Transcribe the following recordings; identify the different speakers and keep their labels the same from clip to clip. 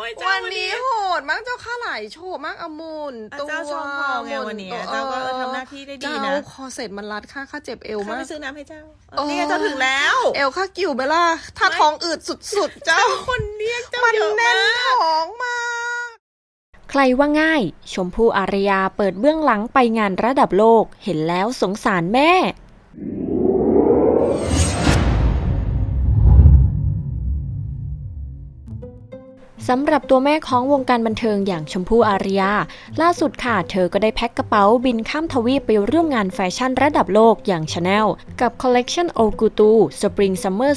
Speaker 1: วันนี้โหดมากเจ้าข้าหลายโชว์มากอมุนตัว
Speaker 2: เจ้าชมพอไงวันนี้เจ้าก็ทำหน้าที่ได้ดีนะ
Speaker 1: เจ้าคอเสร็จมันรัดข้าเจ็บเอว
Speaker 2: ข้าม
Speaker 1: าก
Speaker 2: ไปซื้อน้ำให้เจ้านี่เจ้าถึงแล้ว
Speaker 1: เอวข้ากิ่วไปล่ะถ้าท้องอืดสุดๆเจ้า
Speaker 2: คนเรียกเจ้า
Speaker 1: มัน
Speaker 2: เยอะ
Speaker 1: แน่น
Speaker 2: มาก
Speaker 1: ท้องมาก
Speaker 3: ใครว่าง่าย ชมพู่อารยาเปิดเบื้องหลังไปงานระดับโลก เห็นแล้วสงสารแม่ สำหรับตัวแม่ของวงการบันเทิงอย่างชมพู่อารยาล่าสุดค่ะเธอก็ได้แพ็คกระเป๋าบินข้ามทวีปไปร่วมงานแฟชั่นระดับโลกอย่าง Chanel กับ Collection Ogutu Spring Summer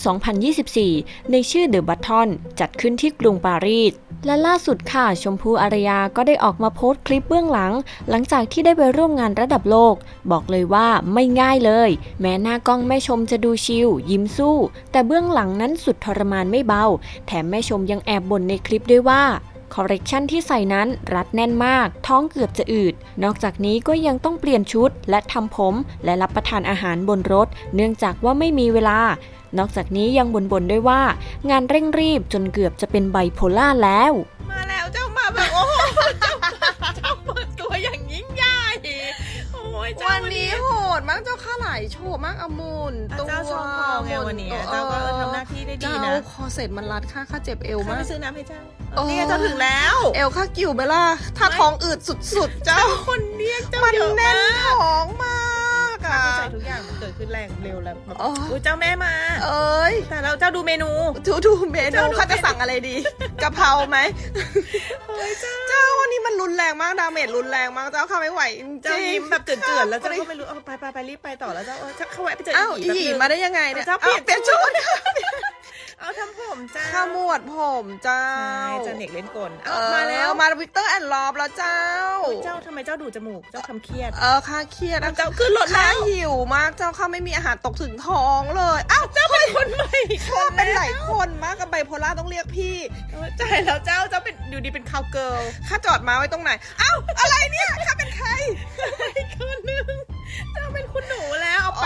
Speaker 3: 2024 ในชื่อ The Button จัดขึ้นที่กรุงปารีสและล่าสุดค่ะชมพู่อารยาก็ได้ออกมาโพสต์คลิปเบื้องหลังจากที่ได้ไปร่วมงานระดับโลกบอกเลยว่าไม่ง่ายเลยแม้หน้ากล้องแม่ชมจะดูชิลยิ้มสู้แต่เบื้องหลังนั้นสุดทรมานไม่เบาแถมแม่ชมยังแอบบ่นในคลิปด้วยว่าคอลเลกชันที่ใส่นั้นรัดแน่นมากท้องเกือบจะอืดนอกจากนี้ก็ยังต้องเปลี่ยนชุดและทำผมและรับประทานอาหารบนรถเนื่องจากว่าไม่มีเวลานอกจากนี้ยังบ่นด้วยว่างานเร่งรีบจนเกือบจะเป็นไบโพล่าแล้ว
Speaker 2: มาแล้วเจ้ามาแบบโอ้โหเจ้าเปิดตัวอย่างยิ่งใหญ่โอ้ยเจ้า
Speaker 1: วันนี้โหดมากเจ้าข้าหลายโชว์มากอมุนตัว
Speaker 2: เจ้าชมพอไงวันนี้เจ้าก็ทำหน้าที่ได้ดี
Speaker 1: เจ้า
Speaker 2: นะ
Speaker 1: คอเสร็จมันรัดข้าเจ็บเอว
Speaker 2: ข้าม
Speaker 1: มา
Speaker 2: ไป
Speaker 1: ก
Speaker 2: ซื้อน้ำให้เจ้านี่เจ้าถึงแล้ว
Speaker 1: เอวข้ากิ่วไปล่ะถ้าท้องอืดสุดๆเจ้า
Speaker 2: คนเรียกเจ้า
Speaker 1: มัน
Speaker 2: เยอะ
Speaker 1: แน่
Speaker 2: มาน ก
Speaker 1: ท้องมากอ่ะ
Speaker 2: เข้าใจทุกอย่างมันเกิดขึ้นแรงเร็วแล้วแบบ
Speaker 1: อ๋อ
Speaker 2: อุ้ยเจ้าแม่มา
Speaker 1: เอ้ย
Speaker 2: แต่แล้วเจ้าดูเมนู
Speaker 1: ดูเมนูข้าจะสั่งอะไรดีกะเพราไหมเจ้าวันนี้มันรุนแรงมากดาเมจรุนแรงมากเจ้าข้าไม่ไหวจริงๆ
Speaker 2: เจ้ายิ้มแบบเจือนๆแล้วเจ้าก็ไม่รู้เอาไปรีบไปต่อแล้วเจ้าเข้าแวะไปเจอ
Speaker 1: อ้าว
Speaker 2: อี
Speaker 1: อีหยีมาได้ยังไงเนี่ย
Speaker 2: เจ้าเปลี่ยน
Speaker 1: เปลี่ยนชุด
Speaker 2: เอาทำผมเจ้า
Speaker 1: ข้าหมวดผมเจ้า
Speaker 2: ใช่เจ้าเน็กเล่นกล
Speaker 1: เอ
Speaker 2: เอา
Speaker 1: อ
Speaker 2: มาแล้ว
Speaker 1: มาวิกเตอร์แอนด์ลอบแล้วเจ้า
Speaker 2: เจ้าทำไมเจ้าดูจมูกเจ้าทำเครียด
Speaker 1: ข้าเครียด
Speaker 2: เจ้าขึ้นรถแล้ว
Speaker 1: ข้าหิวมากเจ้าข้าไม่มีอาหารตกถึงท้องเลยอ้าวเจ้าเป็นคนใหม่ข้าเป็นหลายคนมากกับไบโพล่าต้องเรียกพี่
Speaker 2: ใช่แล้วเจ้าเป็นอยู่ดีเป็นคาวเกิร์ล
Speaker 1: ข้าจอดมาไว้ตรงไหนอ้าวอะไรเนี่ยข้าเป็นใคร
Speaker 2: อีกคนนึงเจ้าเป็นคุณหนูแล้วเอา